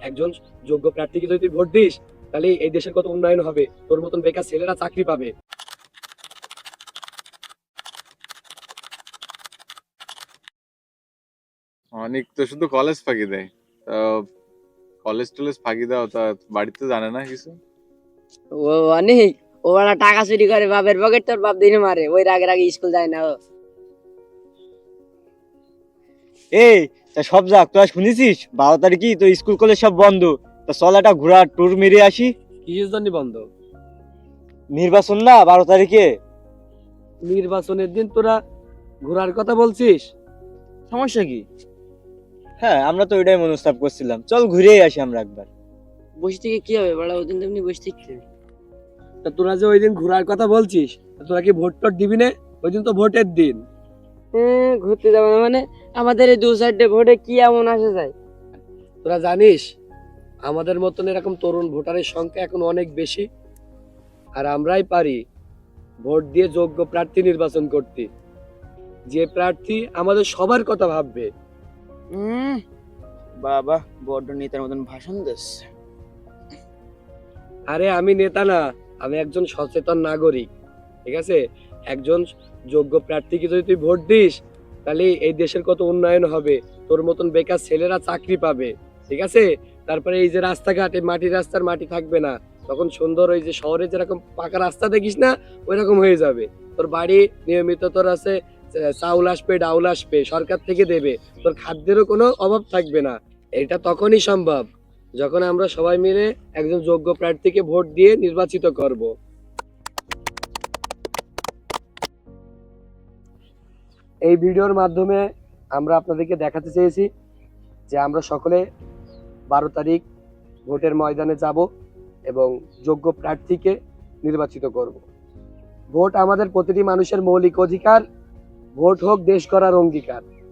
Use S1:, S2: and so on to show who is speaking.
S1: একজন যোগ্য প্রার্থীকে যদি তুই ভোট দিস, তাহলে এই দেশের কত উন্নয়ন হবে, তোর মতন বেকার ছেলেরা চাকরি পাবে।
S2: অনেক তো শুধু কলেজ ফাঁকি দেয়। তা কলেজ টলেজ ফাঁকি দাও তা বাড়িতে জানে না কিছু?
S3: ও অনেক, ও বড় টাকা চুরি করে বাপের পকেট, তোর বাপ দিনে মারে, ওই রাগে রাগে স্কুল যায় না ও।
S4: এই তা সব যাক, তোরা শুনেছিস 12 তারিখই তো স্কুল কলেজ সব বন্ধ। তা চল একটা ঘোরা ট্যুর মেরে আসি।
S1: কিসের জন্য বন্ধ?
S4: নির্বাচন না 12 তারিখে।
S1: নির্বাচনের দিন তোরা ঘোরার কথা বলছিস?
S4: সমস্যা কি? হ্যাঁ, আমরা তো ওইটাই মনস্তাব করছিলাম, চল ঘুরেই আসি আমরা একবার।
S3: বসে থেকে কি হবে বড়, ওদিন তেমনি বসে থাকতে।
S1: তা তোরা যে ওই দিন ঘোরার কথা বলছিস, তা তোরা কি ভোট টোট দিবি না? ওই দিন তো ভোটের দিন।
S3: ঘুরতে যাবো না মানে? আমাদের এই 2 সাইডে ভোটে কি এমন আসে যায়?
S1: তোরা জানিস আমাদের মতন এরকম তরুণ ভোটারের সংখ্যা এখন অনেক বেশি, আর আমরাই পারি ভোট দিয়ে যোগ্য প্রার্থী নির্বাচন করতে, যে প্রার্থী আমাদের সবার কথা ভাববে।
S5: বাবা বড্ড নেতার মতন ভাষণ দিচ্ছে।
S1: আরে আমি নেতা না, আমি একজন সচেতন নাগরিক, ঠিক আছে? একজন যোগ্য প্রার্থীকে যদি তুই ভোট দিস, তাহলে এই দেশের কত উন্নয়ন হবে, তোর মতন বেকার ছেলেরা চাকরি পাবে, ঠিক আছে? তারপরে এই যে রাস্তাঘাটে মাটির রাস্তার মাটি থাকবে না, তখন সুন্দর ওই যে শহরে যেরকম পাকা রাস্তা দেখিস না, ওই রকম হয়ে যাবে। তোর বাড়ি নিয়মিত তোর আছে চাউল আসবে, ডাউল আসবে, সরকার থেকে দেবে, তোর খাদ্যেরও কোনো অভাব থাকবে না। এটা তখনই সম্ভব যখন আমরা সবাই মিলে একজন যোগ্য প্রার্থীকে ভোট দিয়ে নির্বাচিত করব। এই ভিডিওর মাধ্যমে আমরা আপনাদেরকে দেখাতে চেয়েছি যে আমরা সকলে 12 তারিখ ভোটের ময়দানে যাব এবং যোগ্য প্রার্থীকে নির্বাচিত করব। ভোট আমাদের প্রতিটি মানুষের মৌলিক অধিকার, ভোট হোক দেশ গড়ার অঙ্গীকার।